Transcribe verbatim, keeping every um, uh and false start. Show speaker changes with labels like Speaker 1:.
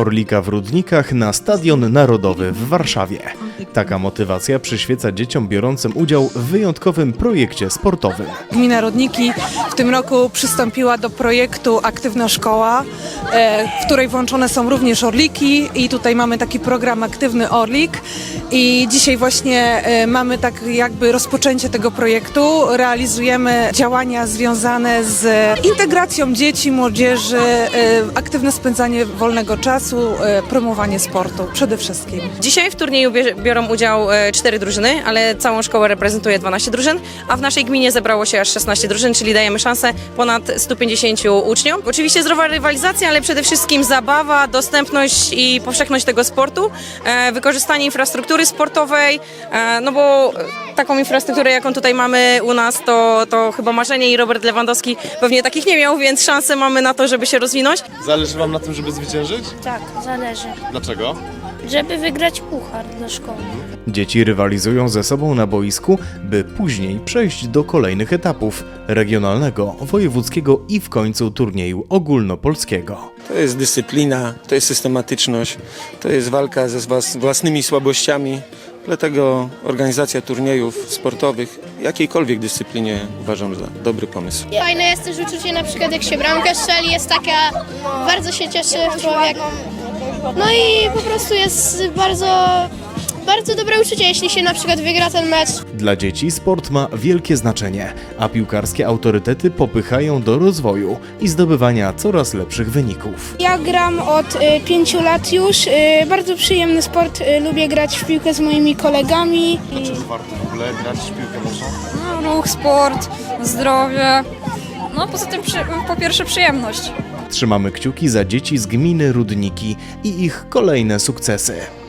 Speaker 1: Orlika w Rudnikach na Stadion Narodowy w Warszawie. Taka motywacja przyświeca dzieciom biorącym udział w wyjątkowym projekcie sportowym.
Speaker 2: Gmina Rudniki w tym roku przystąpiła do projektu Aktywna Szkoła, w której włączone są również orliki i tutaj mamy taki program Aktywny Orlik i dzisiaj właśnie mamy tak jakby rozpoczęcie tego projektu. Realizujemy działania związane z integracją dzieci, młodzieży, aktywne spędzanie wolnego czasu, promowanie sportu przede wszystkim.
Speaker 3: Dzisiaj w turnieju biorą udział cztery drużyny, ale całą szkołę reprezentuje dwanaście drużyn, a w naszej gminie zebrało się aż szesnaście drużyn, czyli dajemy szansę ponad stu pięćdziesięciu uczniom. Oczywiście zdrowa rywalizacja, ale przede wszystkim zabawa, dostępność i powszechność tego sportu, wykorzystanie infrastruktury sportowej, no bo taką infrastrukturę, jaką tutaj mamy u nas, to, to chyba marzenie i Robert Lewandowski pewnie takich nie miał, więc szansę mamy na to, żeby się rozwinąć.
Speaker 4: Zależy wam na tym, żeby zwyciężyć?
Speaker 5: Tak, zależy.
Speaker 4: Dlaczego?
Speaker 5: Żeby wygrać puchar dla szkoły.
Speaker 1: Dzieci rywalizują ze sobą na boisku, by później przejść do kolejnych etapów regionalnego, wojewódzkiego i w końcu turnieju ogólnopolskiego.
Speaker 6: To jest dyscyplina, to jest systematyczność, to jest walka ze własnymi słabościami. Dlatego organizacja turniejów sportowych w jakiejkolwiek dyscyplinie uważam za dobry pomysł.
Speaker 7: Fajne jest też uczucie, na przykład jak się bramkę strzeli, jest taka, bardzo się cieszy człowiek. No i po prostu jest bardzo, bardzo dobre uczucie, jeśli się na przykład wygra ten mecz.
Speaker 1: Dla dzieci sport ma wielkie znaczenie, a piłkarskie autorytety popychają do rozwoju i zdobywania coraz lepszych wyników.
Speaker 8: Ja gram od y, pięciu lat już. Y, bardzo przyjemny sport. Y, lubię grać w piłkę z moimi kolegami.
Speaker 4: Dlaczego warto w ogóle grać w piłkę nożną?
Speaker 9: No, ruch, sport, zdrowie. No poza tym przy, po pierwsze przyjemność.
Speaker 1: Trzymamy kciuki za dzieci z gminy Rudniki i ich kolejne sukcesy.